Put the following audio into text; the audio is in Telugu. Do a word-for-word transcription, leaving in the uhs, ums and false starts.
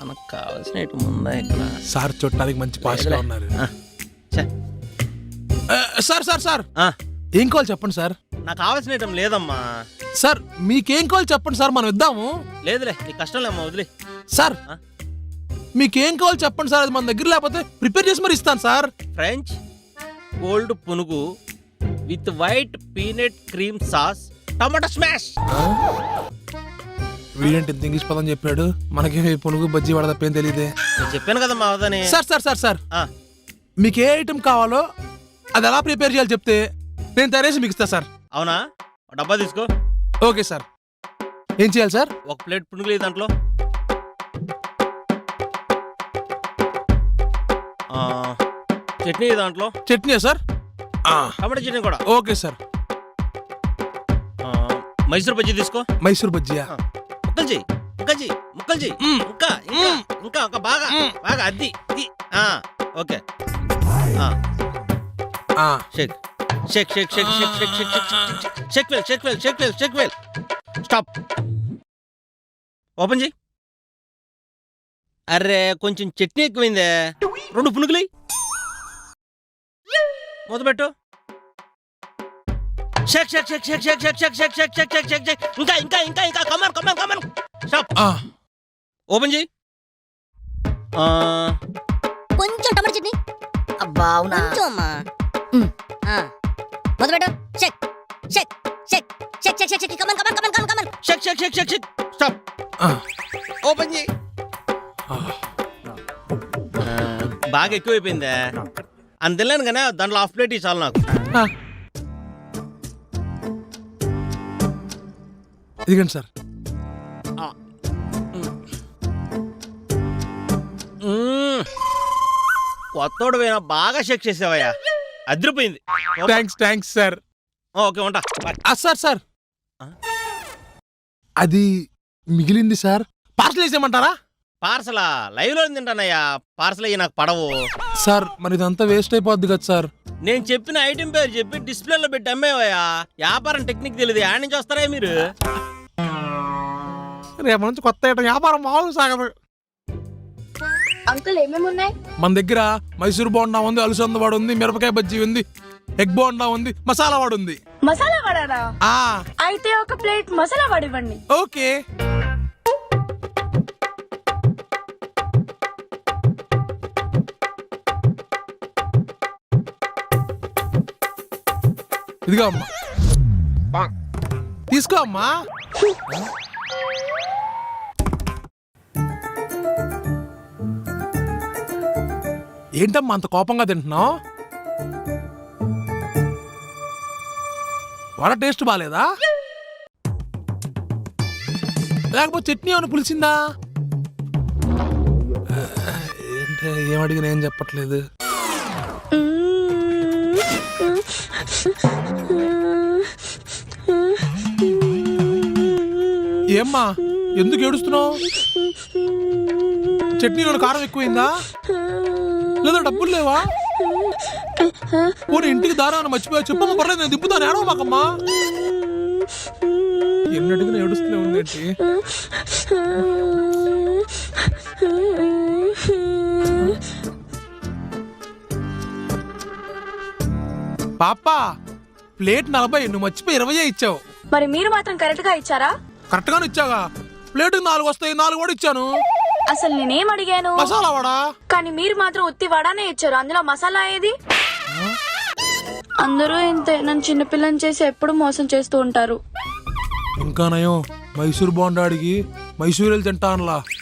మనకు కావాల్సిన ఐటమ్ ఉందా ఇక్కడ? సార్ చూడటానికి మంచి పాస్గా ఉన్నారు. సార్ సార్ సార్ ఏం కావాలి చెప్పండి సార్. నాకు కావాల్సిన ఐటమ్ లేదమ్మా. సార్ మీకేం కావాలి చెప్పండి సార్, మనం ఇద్దాము. లేదులే నీ కష్టం లేమ్మా, వదిలే. సార్ మీకేం కావాలి చెప్పండి సార్, అది మన దగ్గర లేకపోతే ప్రిపేర్ చేసి మరి ఇస్తాను sir. French cold punugu with white peanut cream sauce tomato smash. వీడేంటి ఇంత ఇంగ్లీష్ పదం చెప్పాడు, మనకి పునుగు బజ్జీ వడ తప్పేం తెలియదే. నేను చెప్పాను కదా మా వదని. సార్ సార్ సార్ సార్ మీకు ఏ ఐటమ్ కావాలో అది ఎలా ప్రిపేర్ చేయాలి చెప్తే నేను తయారేసి మీకు ఇస్తా సార్. అవునా? డబ్బా తీసుకో. Okay sir. ఏం చేయాలి సార్? ఒక ప్లేట్ పునుగులు దాంట్లో, చట్నీ దాంట్లో. చట్నీ సార్? టమాటా చట్నీ కూడా. Okay sir. మైసూర్ బజ్జీ తీసుకో. మైసూర్ బజ్జీయా? ముక్కలు చెయ్యి, ముక్కలు చెయ్యి, ముక్కలు చెయ్యి. ఇంకా ఇంకా ఇంకా ఒక బాగా బాగా అద్ది. Okay. Shake shake shake shake shake shake shake shake shake well shake well shake well shake well. Stop. Open చెయ్యి. అరే కొంచెం చట్నీ ఎక్కువైందే. రెండు పునుగులు మొదలుపెట్టు. Shake shake shake shake shake shake shake shake shake shake shake shake Sheikh. ఇంకా ఇంకా ఇంకా ఇంకా కమాన్ కమాన్ కమాన్. స్టాప్. ఓపెన్ చెయ్యి. కొంచెం టమాటా చట్నీ. అబ్బా అవునా? కొంచెం అమ్మా. మొదలుపెట్టు. Shake shake shake shake shake shake shake come on come on come on come on come on. Shake shake shake shake shake. Stop. Open చెయ్యి. బాగా ఎక్కువైపోయిందే. అని తెలియను కానీ దాంట్లో హాఫ్ ప్లేట్ చాలు నాకు. ఇదిగండి సార్. కొత్తోడు పోయినా బాగా షేక్ చేసావయ్యా, అదిరిపోయింది. Thanks thanks sir. ఓకే ఉంటా. సార్ సార్ అది మిగిలింది సార్, పార్సల్ వేసేయమంటారా? పార్సలా? లైవ్ లో తింటానయ్యా, పార్సల్ అయ్యి నాకు పడవు సార్. మరి ఇదంతా వేస్ట్ అయిపోద్ది కదా సార్. నేను చెప్పిన ఐటెం పేరు చెప్పి డిస్ప్లేలో పెట్టి అమ్మేవయ్యా. వ్యాపారం టెక్నిక్ తెలియదు, యాడ్ నుంచి వస్తారా మీరు? రేపు నుంచి కొత్త ఐటమ్ వ్యాపారం మామూలు సాగదు. అంకుల్ ఏమేమి ఉన్నాయి మన దగ్గర? మైసూర్ బోండా ఉంది, అలసంద వాడు ఉంది, మిరపకాయ బజ్జీ ఉంది, ఎగ్ బోండా ఉంది, మసాలా వాడు ఉంది. మసాలా వడారా? ఆ అయితే ఒక ప్లేట్ మసాలా వడ ఇవ్వండి. ఓకే. ఇదిగో అమ్మా, తీసుకో అమ్మా. ఏంటమ్మా అంత కోపంగా తింటున్నావు? వడ టేస్ట్ బాగాలేదా? లేకపోతే చట్నీ ఏమైనా పులిసిందా? ఏంటే ఏమడిగినా ఏం చెప్పట్లేదు. ఏమ్మా ఎందుకు ఏడుస్తున్నావు? చట్నీలో కారం ఎక్కువైందా? లేదా డబ్బులు లేవా? పోనీ ఇంటికి దారాన్ని మర్చిపోయా చెప్పమ్మా, పర్లేదు నేను దింపుతాను, ఏడవ మాకమ్మా. ఎన్ని అడిగినా ఏడుస్తూనే ఉందేంటి? పాపా ప్లేట్ నలభై, నువ్వు మర్చిపోయి ఇరవై ఇచ్చావు. మరి మీరు మాత్రం కరెక్ట్ గా ఇచ్చారా? కరెక్ట్ గానే ఇచ్చాగా. ప్లేట్ నాలుగు వస్తాయి, నాలుగు కూడా ఇచ్చాను. అసలు నేనేం అడిగాను? మసాలా వడా. కానీ మీరు మాత్రం ఉత్తి వడానే ఇచ్చారు, అందులో మసాలా ఏది? అందరూ ఇంతే, నన్ను చిన్నపిల్లని చేసి ఎప్పుడు మోసం చేస్తూ ఉంటారు. ఇంకా నయం మైసూర్ బోండా అడిగి మైసూర్ వెళ్ళి తింటా అనలా.